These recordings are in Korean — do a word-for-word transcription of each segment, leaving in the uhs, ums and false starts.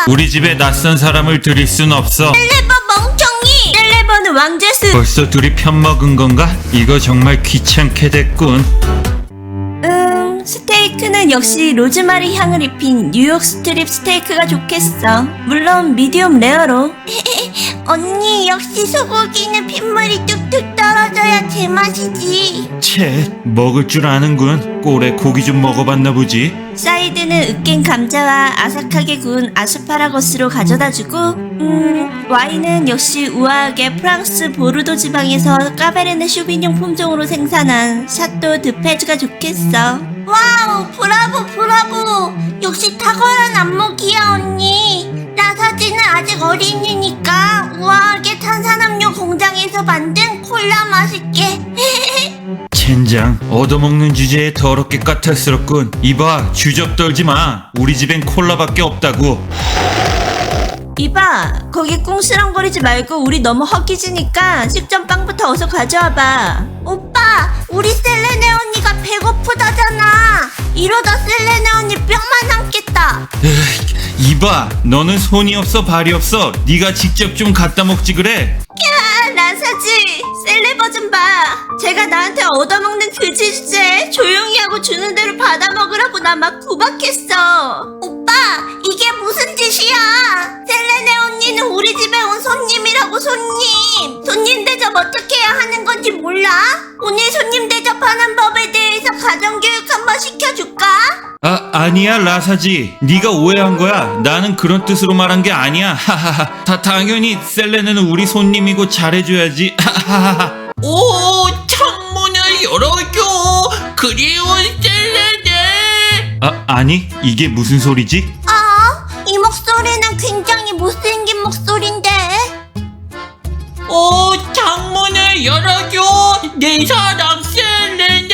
우리 집에 낯선 사람을 들일 순 없어. 셀레버 멍청이! 셀레버는 왕재수. 벌써 둘이 편먹은 건가? 이거 정말 귀찮게 됐군. 음, 스테이크는 역시 로즈마리 향을 입힌 뉴욕 스트립 스테이크가 좋겠어. 물론 미디움 레어로. 언니, 역시 소고기는 핏물이 뚝뚝 떨어져야 제맛이지. 채, 먹을 줄 아는군. 꼴에 고기 좀 먹어봤나 보지. 사이드는 으깬 감자와 아삭하게 구운 아스파라거스로 가져다주고, 음, 와인은 역시 우아하게 프랑스 보르도 지방에서 까베르네 쇼비뇽 품종으로 생산한 샤또 드페즈가 좋겠어. 와우, 브라보 브라보. 역시 탁월한 안목이야 언니. 라사지는 아직 어린이니까 우아하게 탄산음료 공장에서 만든 콜라 맛있게. 젠장, 얻어먹는 주제에 더럽게 까탈스럽군. 이봐, 주접 떨지 마. 우리 집엔 콜라밖에 없다고. 이봐, 거기 꿍시렁거리지 말고 우리 너무 허기지니까 식전빵부터 어서 가져와봐. 오빠, 우리 셀레네 언니가 배고프다잖아. 이러다 셀레네 언니 뼈만 남겠다. 에이, 이봐, 너는 손이 없어 발이 없어. 네가 직접 좀 갖다 먹지 그래. 야, 라사지, 셀레버 좀 봐. 제가 나한테 얻어먹는 그지 주제 조용히 하고 주는 대로 받아 먹으라고 나 막 구박했어. 오빠, 이게 무슨 짓이야? 셀레네 언니는 우리 집에 온 손님이라고. 손님 손님 대접 어떻게 해야 하는 건지 몰라? 오늘 손님 대접하는 법에 대해서 가정교육 한번 시켜줄까? 아, 아니야 라사지. 네가 오해한 거야. 나는 그런 뜻으로 말한 게 아니야. 하하하. 다 당연히 셀레네는 우리 손님이고 잘해줘야지. 하하하. 오, 창문을 열어줘. 그리운 셀레네. 아, 아니 이게 무슨 소리지? 아, 이 목소리는 굉장히 못생긴 목소린데. 오, 창문을 열어줘. 내 사랑 셀레네.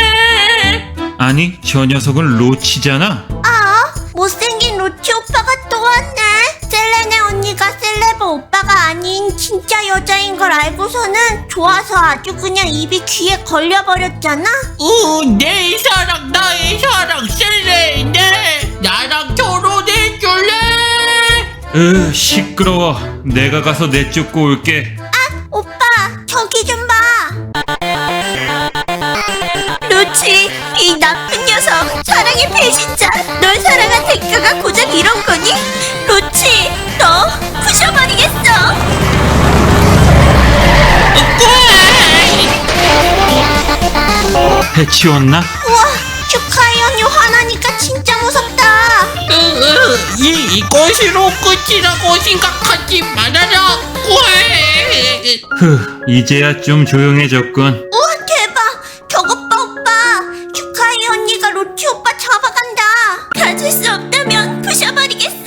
아니 저 녀석은 로치잖아. 아, 못생긴 로치 오빠가 또 왔네. 셀레네 언니가 셀레버 오빠가 아닌 진짜 여자인 걸 알고서는 좋아서 아주 그냥 입이 귀에 걸려버렸잖아. 오, 내 사랑, 나의 사랑 셀레네. 나랑 결혼해줄래? 으, 시끄러워. 내가 가서 내쫓고 올게. 오빠, 저기 좀 봐. 로치, 이 나쁜 녀석, 사랑의 배신자. 널 사랑한 대가가 고작 이런 거니? 로치, 너 부셔버리겠어. 해치웠나? 우와, 슈카이 언니 화나니까 진짜 무섭다. 으, 으, 이, 이것으로 끝이라고 생각하지 말아라. 왜? 흐, 이제야 좀 조용해졌군. 우와, 대박. 저것 봐, 오빠. 슈카이 언니가 로치 오빠 잡아간다. 가질 수 없다면 부셔버리겠어.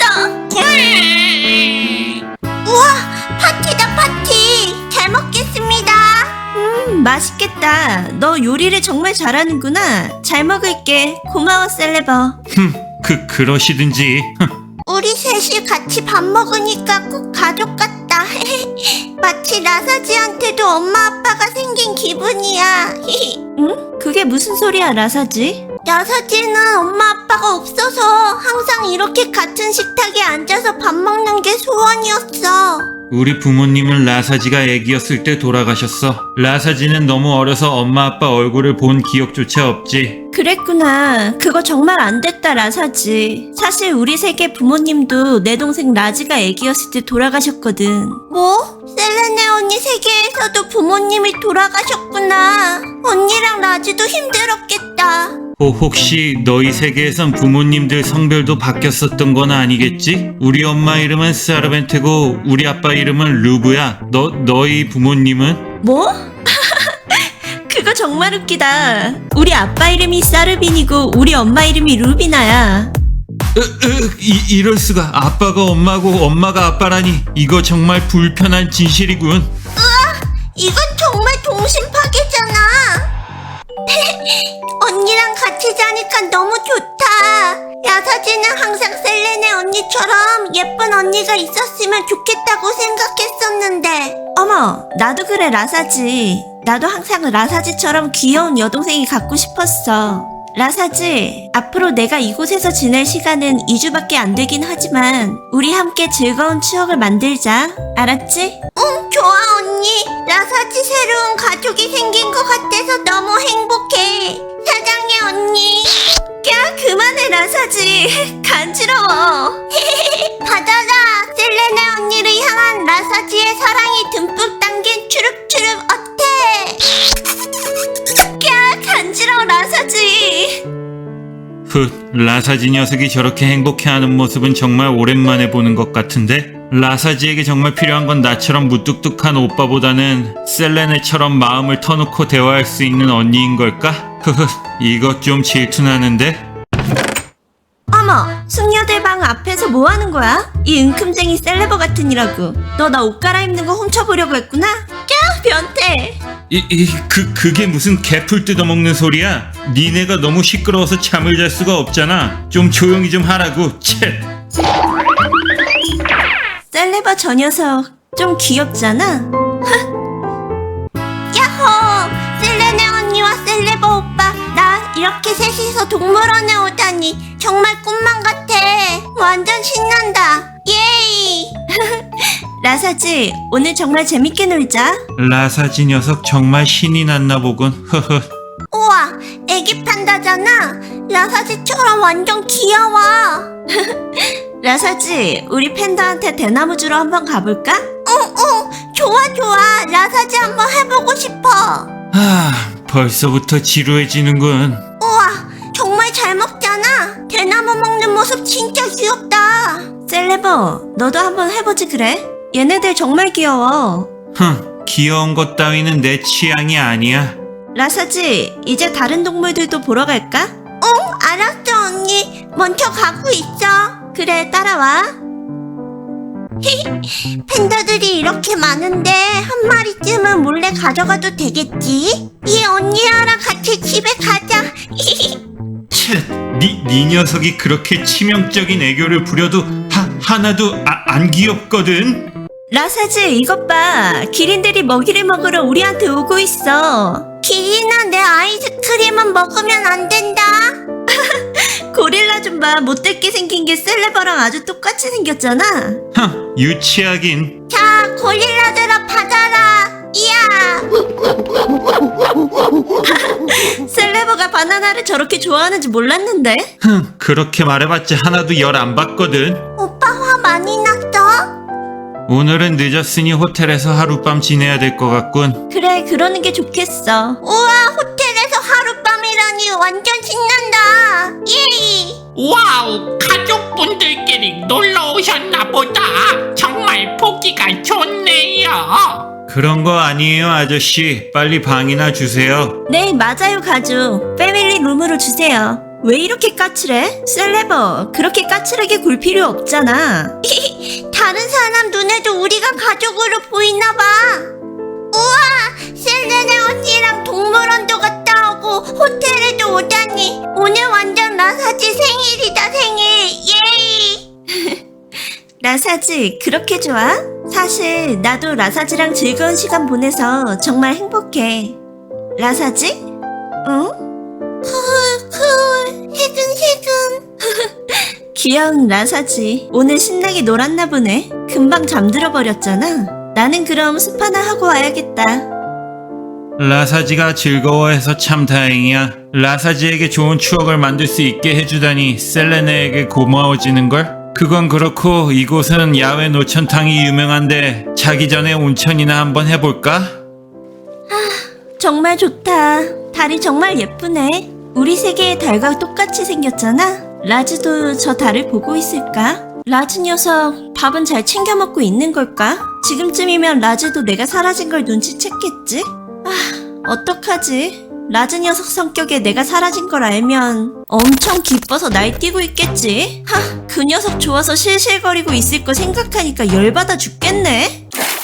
왜? 우와, 파티다 파티. 잘 먹겠습니다. 음, 맛있겠다. 너 요리를 정말 잘하는구나. 잘 먹을게. 고마워 셀레버. 흠, 그 그러시든지. 흠. 우리 셋이 같이 밥 먹으니까 꼭 가족 같다. 마치 라사지한테도 엄마 아빠가 생긴 기분이야. 응? 그게 무슨 소리야 라사지? 라사지는 엄마 아빠가 없어서 항상 이렇게 같은 식탁에 앉아서 밥 먹는 게 소원이었어. 우리 부모님은 라사지가 애기였을 때 돌아가셨어. 라사지는 너무 어려서 엄마 아빠 얼굴을 본 기억조차 없지. 그랬구나. 그거 정말 안 됐다 라사지. 사실 우리 세계 부모님도 내 동생 라지가 애기였을 때 돌아가셨거든. 뭐? 셀레네 언니 세계에서도 부모님이 돌아가셨구나. 언니랑 라지도 힘들었겠다. 어, 혹시 너희 세계에선 부모님들 성별도 바뀌었었던 건 아니겠지? 우리 엄마 이름은 사르벤테고 우리 아빠 이름은 루브야. 너, 너희 부모님은? 뭐? 그거 정말 웃기다. 우리 아빠 이름이 사르빈이고 우리 엄마 이름이 루비나야. 으, 으, 이, 이럴 수가. 아빠가 엄마고 엄마가 아빠라니. 이거 정말 불편한 진실이군. 으아! 이건 정말 동심 파괴잖아. 언니랑 같이 자니까 너무 좋다. 야사지는 항상 셀레네 언니처럼 예쁜 언니가 있었으면 좋겠다고 생각했었는데. 어머, 나도 그래 라사지. 나도 항상 라사지처럼 귀여운 여동생이 갖고 싶었어. 라사지, 앞으로 내가 이곳에서 지낼 시간은 이 주밖에 안 되긴 하지만 우리 함께 즐거운 추억을 만들자. 알았지? 응, 좋아 언니. 라사지 새로운 가족이 생긴 것 같아서 너무 행복해. 사랑해 언니. 야, 그만해 라사지. 간지러워. 받아라. 셀레네 언니를 향한 라사지의 사랑이 듬뿍 담긴 추룩추룩 어때? 야, 간지러워 라사지. 훗, 라사지 녀석이 저렇게 행복해하는 모습은 정말 오랜만에 보는 것 같은데? 라사지에게 정말 필요한 건 나처럼 무뚝뚝한 오빠보다는 셀레네처럼 마음을 터놓고 대화할 수 있는 언니인 걸까? 흐흐, 이것 좀 질투나는데? 어머, 숙녀들 방 앞에서 뭐 하는 거야? 이 은큼쟁이 셀레버 같으니라고. 너 나 옷 갈아입는 거 훔쳐보려고 했구나? 야, 변태. 이, 이, 그, 그게 무슨 개풀 뜯어먹는 소리야? 니네가 너무 시끄러워서 잠을 잘 수가 없잖아. 좀 조용히 좀 하라고, 쳇! 셀레버 저 녀석 좀 귀엽잖아? 야호! 셀레네 언니와 셀레버 오빠 나 이렇게 셋이서 동물원에 오다니 정말 꿈만 같아. 완전 신난다. 예이! 라사지, 오늘 정말 재밌게 놀자. 라사지 녀석 정말 신이 났나 보군, 흐흐. 우와, 애기 판다잖아. 라사지처럼 완전 귀여워. 라사지, 우리 팬더한테 대나무 주러 한번 가볼까? 응, 응, 좋아, 좋아. 라사지 한번 해보고 싶어. 아, 벌써부터 지루해지는군. 우와, 정말 잘 먹잖아. 대나무 먹는 모습 진짜 귀엽다. 셀레버, 너도 한번 해보지 그래? 얘네들 정말 귀여워. 흥, 귀여운 것 따위는 내 취향이 아니야. 라사지, 이제 다른 동물들도 보러 갈까? 응, 알았어 언니. 먼저 가고 있어. 그래, 따라와. 팬더들이 이렇게 많은데 한 마리쯤은 몰래 가져가도 되겠지? 이 언니랑 같이 집에 가자. 쳇, 니, 니 녀석이 그렇게 치명적인 애교를 부려도 하, 하나도 아, 안 귀엽거든? 라사지, 이것 봐. 기린들이 먹이를 먹으러 우리한테 오고 있어. 기린아, 내 아이스크림은 먹으면 안 된다. 고릴라 좀 봐. 못됐게 생긴 게 셀레버랑 아주 똑같이 생겼잖아. 흥, 유치하긴. 자, 고릴라들아 받아라. 이야. 셀레버가 바나나를 저렇게 좋아하는지 몰랐는데. 흥, 그렇게 말해봤자 하나도 열 안 받거든. 오빠 화 많이 났어? 오늘은 늦었으니 호텔에서 하룻밤 지내야 될 것 같군. 그래, 그러는 게 좋겠어. 우와, 호텔에서 하룻밤이라니 완전 신난다. 예이. 와우, 가족분들끼리 놀러 오셨나 보다. 정말 보기가 좋네요. 그런 거 아니에요, 아저씨. 빨리 방이나 주세요. 네, 맞아요, 가족. 패밀리 룸으로 주세요. 왜 이렇게 까칠해? 셀레버, 그렇게 까칠하게 굴 필요 없잖아. 다른 사람 눈에도 우리가 가족으로 보이나 봐. 우와, 셀레네 언니랑 동물원도 갔다 오고 호텔에도 오다니. 오늘 완전 라사지 생일이다, 생일. 예이. 라사지, 그렇게 좋아? 사실 나도 라사지랑 즐거운 시간 보내서 정말 행복해. 라사지? 응? 쿨쿨 해근해근. 귀여운 라사지, 오늘 신나게 놀았나 보네. 금방 잠들어 버렸잖아. 나는 그럼 습 하나 하고 와야겠다. 라사지가 즐거워해서 참 다행이야. 라사지에게 좋은 추억을 만들 수 있게 해주다니 셀레네에게 고마워지는걸? 그건 그렇고 이곳은 야외 노천탕이 유명한데 자기 전에 온천이나 한번 해볼까? 정말 좋다. 달이 정말 예쁘네. 우리 세계의 달과 똑같이 생겼잖아. 라즈도 저 달을 보고 있을까? 라즈 녀석 밥은 잘 챙겨 먹고 있는 걸까? 지금쯤이면 라즈도 내가 사라진 걸 눈치챘겠지? 아, 어떡하지? 라즈 녀석 성격에 내가 사라진 걸 알면 엄청 기뻐서 날뛰고 있겠지? 하, 그 녀석 좋아서 실실거리고 있을 거 생각하니까 열받아 죽겠네.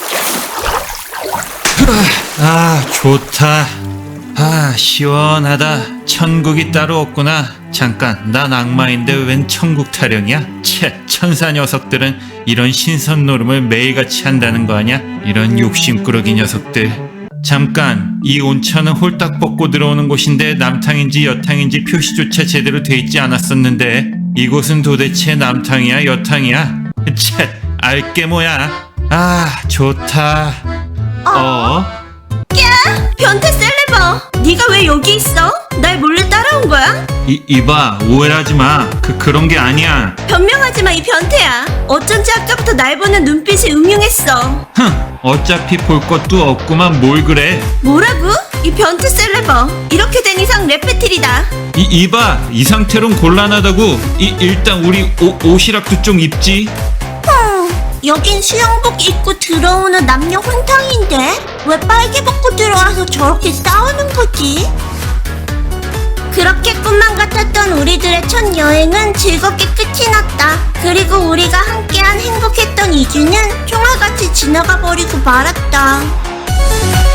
아, 좋다. 아, 시원하다. 천국이 따로 없구나. 잠깐, 난 악마인데 웬 천국 타령이야? 채, 천사 녀석들은 이런 신선 노름을 매일같이 한다는 거 아냐? 이런 욕심꾸러기 녀석들. 잠깐, 이 온천은 홀딱 벗고 들어오는 곳인데 남탕인지 여탕인지 표시조차 제대로 돼 있지 않았었는데 이곳은 도대체 남탕이야 여탕이야? 쳇, 알게 뭐야. 아, 좋다. 어? 변태 셀레버, 네가 왜 여기 있어? 날 몰래 따라온 거야? 이, 이봐, 오해하지 마. 그, 그런 게 아니야. 변명하지 마, 이 변태야. 어쩐지 아까부터 날 보는 눈빛이 음흉했어. 흥, 어차피 볼 것도 없구만 뭘 그래. 뭐라고? 이 변태 셀레버, 이렇게 된 이상 레페틸이다. 이, 이봐, 이 상태론 곤란하다고. 이, 일단 우리 옷, 옷이라도 좀 입지. 여긴 수영복 입고 들어오는 남녀 혼탕인데 왜 빨개 벗고 들어와서 저렇게 싸우는 거지? 그렇게 꿈만 같았던 우리들의 첫 여행은 즐겁게 끝이 났다. 그리고 우리가 함께한 행복했던 이 주는 총알같이 지나가 버리고 말았다.